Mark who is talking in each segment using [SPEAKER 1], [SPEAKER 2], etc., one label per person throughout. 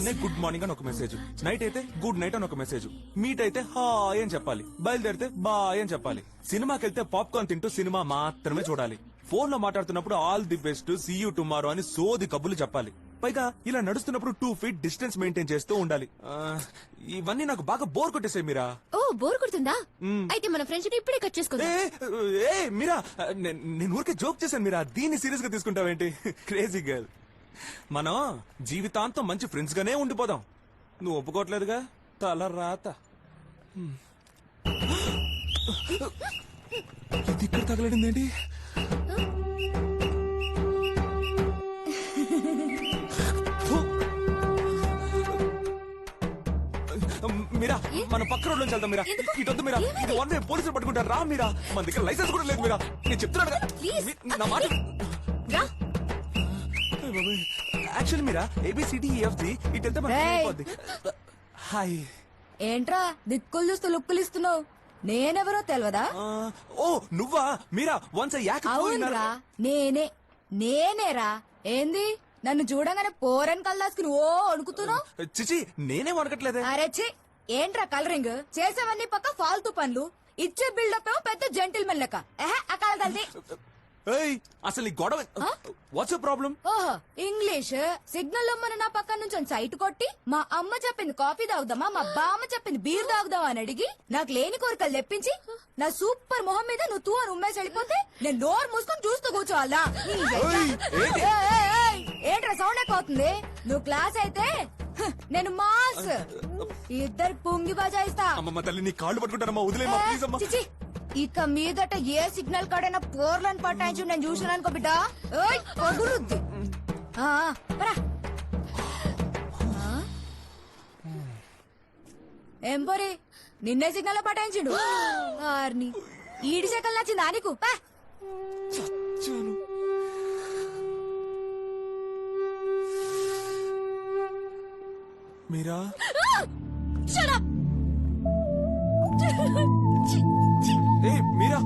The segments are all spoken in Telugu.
[SPEAKER 1] పొద్దున్నే గుడ్ మార్నింగ్ అని ఒక మెసేజ్, నైట్ అయితే గుడ్ నైట్ అని ఒక మెసేజ్, మీట్ అయితే హాయ్ అని చెప్పాలి, బయలుదేరితే బాయ్ అని చెప్పాలి, సినిమాకి వెళ్తే పాప్కార్న్ తింటూ సినిమా మాత్రమే చూడాలి, ఫోన్ లో మాట్లాడుతున్నప్పుడు all the best, see you tomorrow అని సోది కబుర్లు చెప్పాలి. పైగా ఇలా నడుస్తున్నప్పుడు 2 feet డిస్టెన్స్ మెయింటైన్ చేస్తూ ఉండాలి. ఇవన్నీ నాకు బాగా బోర్ కొట్టేసాయి మీరా.
[SPEAKER 2] ఓ బోర్ కొడుతుందా? అయితే మన ఫ్రెండ్షిప్ ఇప్పుడే కట్ చేసుకుందాం.
[SPEAKER 1] మీరా, నేను ఊరికే జోక్ చేశాను మీరా, దీన్ని సీరియస్ గా తీసుకుంటావేంటి? Crazy girl. మనం జీవితాంతం మంచి ఫ్రెండ్స్ గానే ఉండిపోదాం. నువ్వు ఒప్పుకోవట్లేదుగా, తల రాత. ఇది ఇక్కడ తగలడింది ఏంటి? మీరా, మన పక్క రోడ్ నుంచి వెళ్తాం మీరా. ఇటొద్దు మీరా, ఇది వన్ వే, పోలీసులు పట్టుకుంటారు. రా మీరా, మన దగ్గర లైసెన్స్ కూడా లేదు మీరా. నేను చెప్తున్నాను నా మాట. యాక్చువల్లీ మీరా, ABCDEFG ఇటు వెళ్తే మనకి అయిపోద్ది. హాయ్.
[SPEAKER 3] ఏంట్రా దిక్కులు చూస్తూ లుక్కులు ఇస్తున్నావు? నేనెవరో తెలియదా?
[SPEAKER 1] ఓ నువ్వా మీరా? వన్స్
[SPEAKER 3] అవునరా, నేనేరా. ఏంది నన్ను చూడగానే పోరని కల్లాసుకుని ఓ అణుకుతున్నావు?
[SPEAKER 1] చిచి, నేనేం అనకట్లేదే.
[SPEAKER 3] అరే చి, ఏంట్రా కలరింగ్ చేసేవన్నీ పక్క ఫాల్తూ పనులు, ఇచ్చే బిల్డప్ ఏమో పెద్ద జెంటిల్మెన్ లెక్క. అకాల తల్లి.
[SPEAKER 1] అసలు ఈ గొడవ వాట్స్ ప్రాబ్లం?
[SPEAKER 3] ఓహో ఇంగ్లీష్ సిగ్నల్ మన నా పక్క నుంచి సైట్ కొట్టి మా అమ్మ చెప్పింది కాఫీ తాగుదామా, మా బామ్మ చెప్పింది బీర్ తాగుదామా అని అడిగి నాకు లేని కోరికలు తెప్పించి నా సూపర్ మొహం మీద నువ్వు తూ అని ఉమ్మేసి వెళ్ళిపోతే నేను నోరు మూసుకొని చూస్తూ కూర్చోవాలా? ఏంట్రా సౌండ్ ఎక్కువ అవుతుంది? నువ్వు క్లాస్ అయితే నేను మాస్. ఇద్దరు పొంగి బజాయిస్తా.
[SPEAKER 1] అమ్మమ్మ తల్లి, నీ కాళ్ళు పట్టుకుంటానమ్మా, వదిలేమ్మా ప్లీజ్ అమ్మా.
[SPEAKER 3] చిచి, ఇక మీదట ఏ సిగ్నల్ కాడైనా పోర్లను పట్టాయించు నేను చూసాను అనుకో బిడ్డ, పగులుద్ది. ఏం పోరి, నిన్నే సిగ్నల్ పటాయించిండు. ఆర్ని ఈడి సెకల్ నచ్చిందా నీకు?
[SPEAKER 1] మీరా, మీరా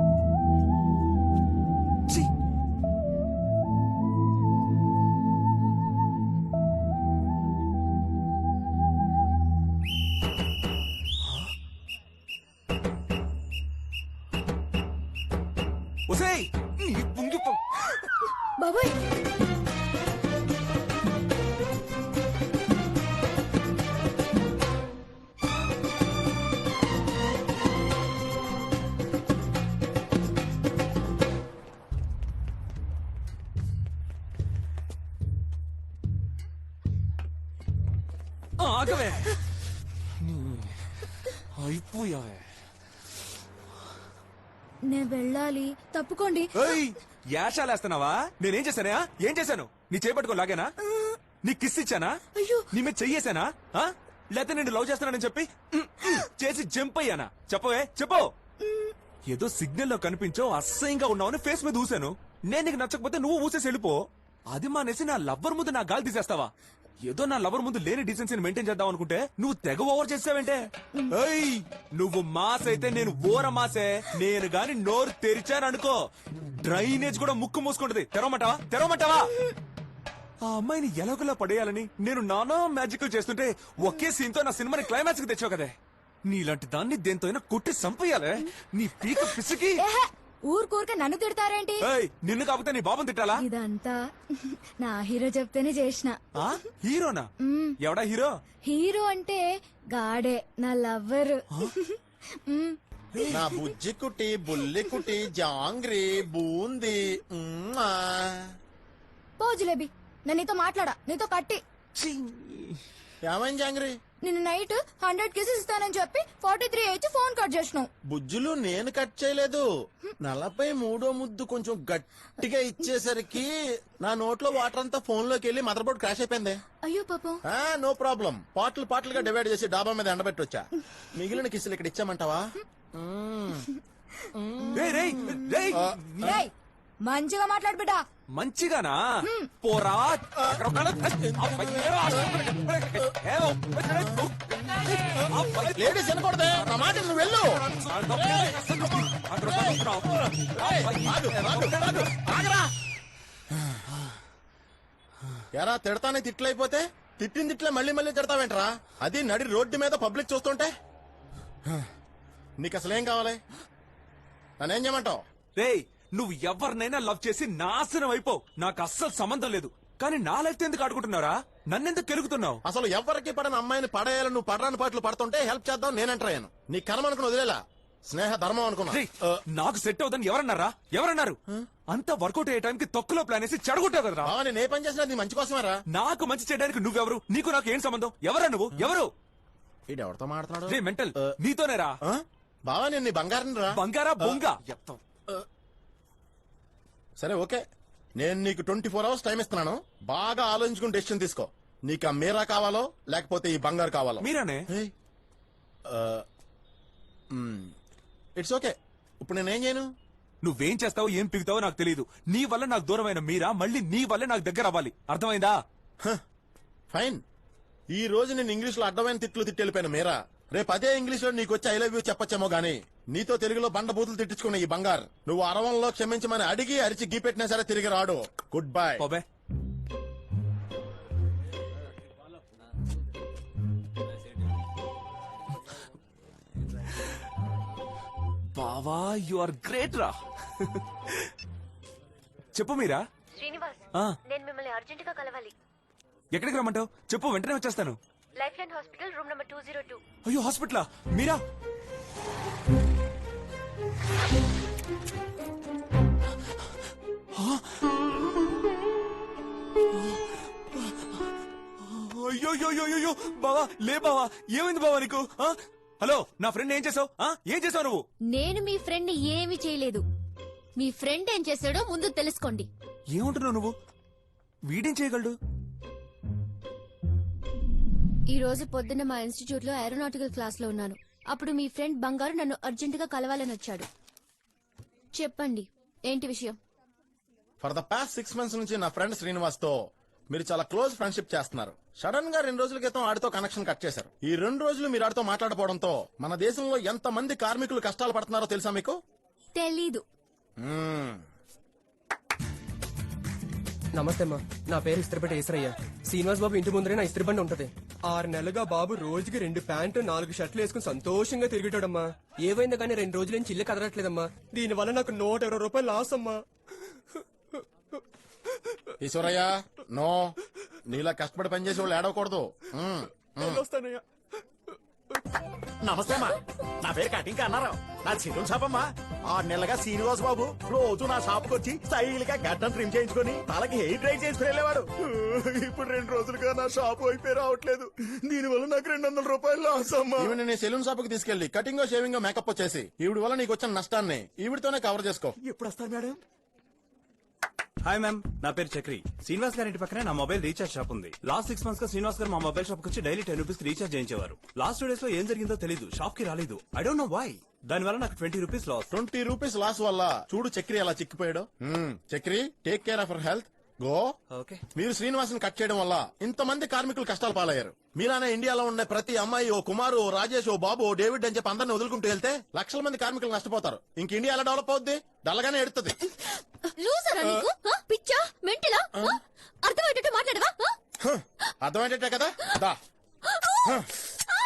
[SPEAKER 3] బాబోయ్,
[SPEAKER 1] ఆగవే, అయిపోయావే.
[SPEAKER 3] నేను వెళ్ళాలి, తప్పుకోండి.
[SPEAKER 1] యాషాలేస్తున్నావా? నేనేం చేశానా? ఏం చేశాను? నీ చేపట్టుకో లాగానా? నీ కిస్ ఇచ్చానా? నీ మీద చెయ్యేశానా? లేకపోతే నేను లవ్ చేస్తున్నానని చెప్పి చేసి జంప్ అయ్యానా? చెప్పవే, చెప్పు. ఏదో సిగ్నల్ లో కనిపించో అసహ్యంగా ఉన్నావని ఫేస్ మీద ఊసాను. నేను నీకు నచ్చకపోతే నువ్వు ఊసేసి వెళ్ళిపో. అది మానేసి నా లవ్వర్ ముందు నా గాలి తీసేస్తావా? ఏదో నా లవర్ ముందు లేని డీసెన్సీని మెయింటైన్ చేద్దాం అనుకుంటే నువ్వు తెగ ఓవర్ చేసావేంటే? నువ్వు మాస్ అయితే నేను ఓర మాసే. నేను గాని నోరు తెరిచాననుకో, డ్రైనేజ్ కూడా ముక్కు మూసుకుంటది. తెరవమంటావా? ఆ అమ్మాయిని ఎలాగోలా పడేయాలని నేను నానా మ్యాజిక్ చేస్తుంటే ఒకే సీన్ తో నా సినిమాని క్లైమాక్స్ కి తెచ్చావు కదే. నీలాంటి దాన్ని దేంతో అయినా కొట్టి సంపేయాలే. నీ పీక పిసికి.
[SPEAKER 3] ఊరుకూరికే నన్ను తిడతారేంటి?
[SPEAKER 1] నిన్ను కాకపోతే నీ బాబుని తిట్టాలా?
[SPEAKER 3] ఇదంతా నా హీరో చెప్తేనే చేసిన.
[SPEAKER 1] హీరోనా? ఎవడా హీరో?
[SPEAKER 3] హీరో అంటే గాడే, నా లవ్వర్.
[SPEAKER 4] నా బుజ్జి కుటి, బుల్లి కుటి, జాంగ్రీ, బూంది.
[SPEAKER 3] పో జిలేబీ, నేను నీతో మాట్లాడా, నీతో కట్టి.
[SPEAKER 4] ఏమైంది జాంగ్రీ?
[SPEAKER 3] నిన్న నైట్ 100 కేసెస్ ఇస్తానని చెప్పి 43 ఇచ్చి ఫోన్ కట్ చేసినావు.
[SPEAKER 4] బుజ్జులు నేను కట్ చేయలేదు. 43వ ముద్దు కొంచెం గట్టిగా ఇచ్చేసరికి నా నోట్లో వాటర్ అంతా ఫోన్ లోకి వెళ్ళి మదర్ బోర్డ్ క్రాష్ అయిపోయింది.
[SPEAKER 3] అయ్యో పాపం.
[SPEAKER 4] నో ప్రాబ్లం, పాటలుగా డివైడ్ చేసి డాబా మీద ఎండబెట్టొచ్చా. మిగిలిన కిసులు ఇక్కడ ఇచ్చామంటావా?
[SPEAKER 3] మంచిగా మాట్లాడు బిడ్డ.
[SPEAKER 1] మంచిగానా? పోరా.
[SPEAKER 4] లేడీస్ వినకూడదే నా మాట, నువ్వు వెళ్ళు. ఎరా తిడతానే తిట్లయిపోతే తిట్టిన తిట్లే మళ్ళీ మళ్ళీ తిడతావేంట్రా? అది నడి రోడ్డు మీద పబ్లిక్ చూస్తుంటే. నీకు అసలేం కావాలి? నన్నేం చేయమంటావు?
[SPEAKER 1] రేయ్ నువ్వు ఎవరినైనా లవ్ చేసి నాశనం అయిపో, నాకు అస్సలు సంబంధం లేదు. కానీ నా లైఫ్ ఎందుకు ఆడుకుంటున్నారా? నన్నెందుకు కెలుగుతున్నావు?
[SPEAKER 4] అసలు ఎవరికి పడని అమ్మాయిని పడేయాలని నువ్వు పడరాని పాటలు పడుతుంటే హెల్ప్ చేద్దాం నేనంటాను. నీ కర్మ అనుకుని వదిలేలా, స్నేహ ధర్మం అనుకున్నా.
[SPEAKER 1] రేయ్, నాకు సెట్ అవుదని ఎవరన్నారా? ఎవరన్నారు? అంత వర్కౌట్ అయ్యే టైంకి తొక్కులో ప్లాన్ వేసి చెడగొట్టావు కదరా.
[SPEAKER 4] బావా నేను ఏ పని చేసినా నీ మంచి కోసమేరా.
[SPEAKER 1] నాకు మంచి చేయడానికి నువ్వెవరు? నీకు నాకు ఏం సంబంధం? ఎవరా నువ్వు? ఎవరు?
[SPEAKER 4] ఇది ఎవరితో మాట్లాడు?
[SPEAKER 1] రే మెంటల్, నీతోనేరా.
[SPEAKER 4] బావా నేను నీ బంగారం రా.
[SPEAKER 1] బంగారా బొంగ.
[SPEAKER 4] సరే ఓకే, నేను నీకు 24 hours టైం ఇస్తున్నాను. బాగా ఆలోచించుకుని డెసిషన్ తీసుకో. నీకు ఆ మీరా కావాలో లేకపోతే ఈ బంగారు కావాలో?
[SPEAKER 1] మీరానే.
[SPEAKER 4] It's okay. ఇప్పుడు నేనేం చేయను?
[SPEAKER 1] నువ్వేం చేస్తావో ఏం పిగుతావో నాకు తెలియదు. నీ వల్ల నాకు దూరమైన మీరా మళ్ళీ నీ వల్లే నాకు దగ్గర అవ్వాలి. అర్థమైందా?
[SPEAKER 4] ఫైన్. ఈ రోజు నేను ఇంగ్లీష్ లో అడ్డమైన తిట్లు తిట్టి వెళ్ళిపోయాను మీరా. రేపు అదే ఇంగ్లీష్ లో నీకు వచ్చి ఐ లవ్ యూ చెప్పొచ్చేమో గానీ నీతో తెలుగులో బండ బూతులు తిట్టించుకున్న ఈ బంగారు నువ్వు అరవంలో క్షమించమని అడిగి అరిచి గీపెట్టినా సరే తిరిగి రాడు. Good bye.
[SPEAKER 1] పోబే. బావా యు ఆర్ గ్రేట్ రా. చెప్పు మీరా.
[SPEAKER 5] శ్రీనివాస్,
[SPEAKER 1] ఆ,
[SPEAKER 5] నేను మిమ్మల్ని అర్జెంట్ గా కలవాలి.
[SPEAKER 1] ఎక్కడికి రమ్మంటావు? చెప్పు, వెంటనే వచ్చేస్తాను.
[SPEAKER 5] Life line hospital room number 202.
[SPEAKER 1] అయ్యో హాస్పిటలా? మీరా? అయ్యో బావా, లే బావా, ఏమైంది బావా నీకు? ఆ? హలో, నా ఫ్రెండ్ ఏం చేసావు? ఏం చేసావు నువ్వు?
[SPEAKER 2] నేను మీ ఫ్రెండ్ ఏమీ చేయలేదు. మీ ఫ్రెండ్ ఏం చేశాడో ముందు తెలుసుకోండి.
[SPEAKER 1] ఏమంటున్నావు నువ్వు? వీడేం చేయగలడు?
[SPEAKER 2] ఈ రోజు పొద్దున్న మా ఇన్స్టిట్యూట్ లో ఏరోనాటికల్ క్లాస్ లో ఉన్నాను. అప్పుడు మీ ఫ్రెండ్ బంగారు నన్ను అర్జెంట్ గా కలవాలని వచ్చాడు. చెప్పండి, ఏంటి విషయం?
[SPEAKER 4] ఫర్ ద పాస్ట్ 6 months నుంచి నా ఫ్రెండ్ శ్రీనివాస్ తో మీరు చాలా క్లోజ్ ఫ్రెండ్షిప్ చేస్తున్నారు. సడన్ గా 2 రోజుల క్రితం ఆడితో కనెక్షన్ కట్ చేశారు. ఈ 2 రోజులు మీరు ఆడితో మాట్లాడపోవడంతో మన దేశంలో ఎంత మంది కార్మికులు కష్టాలు పడుతున్నారో తెలుసా మీకు?
[SPEAKER 2] తెలీదు.
[SPEAKER 6] నమస్తే అమ్మా, నా పేరు ఇస్త్రిపేట ఈశ్వరయ్య. శ్రీనివాస్ బాబు ఇంటి ముందరే నా ఇస్త్రీ బండి ఉంటది. 6 నెలలుగా బాబు రోజుకి 2 ప్యాంటు 4 షర్ట్లు వేసుకుని సంతోషంగా తిరిగేటాడమ్మా. ఏవైందో కానీ 2 రోజుల నుంచి ఇల్లు కదలట్లేదమ్మా. దీనివల్ల నాకు 120 రూపాయలు లాస్ అమ్మా.
[SPEAKER 4] ఈశ్వరయ్య నో, నీలా కష్టపడి పనిచేసే వాళ్ళు ఏడవకూడదు.
[SPEAKER 6] వస్తానయ్యా.
[SPEAKER 7] నమస్తే అమ్మా, నా పేరు కటింగ్ అన్నారు. నా చిరున్ షాప్ అమ్మా. 6 నెలలుగా శ్రీనివాస్ బాబు రోజు నా షాప్ కు వచ్చి స్టైల్ గా గడ్డం ట్రిమ్ చేయించుకుని తలకి హెయిర్ డ్రై చేసుకుని వెళ్ళేవాడు. ఇప్పుడు 2 రోజులుగా నా షాప్ అయిపోయి రావట్లేదు. దీనివల్ల నాకు 200 రూపాయలు లాస్ అమ్మా.
[SPEAKER 4] ఈవిడ నేను సెలూన్ షాప్ కి తీసుకెళ్లి కటింగ్ షేవింగ్ మేకప్ వచ్చేసి ఈవిడ వల్ల నీకు వచ్చిన నష్టాన్ని ఈవిడతోనే కవర్ చేసుకో.
[SPEAKER 7] ఎప్పుడు వస్తారు మేడం?
[SPEAKER 8] హాయ్ మ్యామ్, నా పేరు చక్రి. శ్రీనివాస్ గారి ఇంటి పక్కనే నా మొబైల్ రీఛార్జ్ షాప్ ఉంది. లాస్ట్ 6 months గా శ్రీనివాస్ గారు మా మొబైల్ షాప్ వచ్చి డైలీ 10 రూపీస్ రీఛార్జ్ చేయించేవారు. లాస్ట్ 2 days లో ఏం జరిగిందో తెలీదు, షాప్ కి రాలేదు. I don't know why. దానివల్ల నాకు 20 రూపీస్ లాస్.
[SPEAKER 4] 20 రూపీస్ లాస్ వల్ల చూడు చక్రి అలా చిక్కిపోయాడు. Chakri, take care of your health. Go.
[SPEAKER 8] Okay.
[SPEAKER 4] మీరు శ్రీనివాసుని కట్ చేయడం వల్ల ఇంతమంది కార్మికులు కష్టాలు పాలయ్యారు. మీలానే ఇండియాలో ఉండే ప్రతి అమ్మాయి ఓ కుమారు, ఓ రాజేష్, ఓ బాబు, ఓ డేవిడ్ అని చెప్పి అందరిని వదులుకుంటూ వెళ్తే లక్షల మంది కార్మికులు నష్టపోతారు. ఇంక ఇండియా ఎలా డెవలప్ అవుద్ది? డల్లగానే ఎడుతుంది.
[SPEAKER 2] లూజరా నీకు? పిచ్చా, మెంటలా? అర్థమయ్యేటట్టు మాట్లాడవా?
[SPEAKER 4] అర్థమయ్యేటట్టే కదా. దా.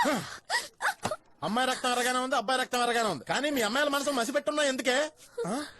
[SPEAKER 4] అమ్మాయి రక్తం ఎరగానే ఉంది, అబ్బాయి రక్తం ఎరగానే ఉంది, కానీ మీ అమ్మాయిల మనసు మసిపెట్టున్నా ఎందుకే?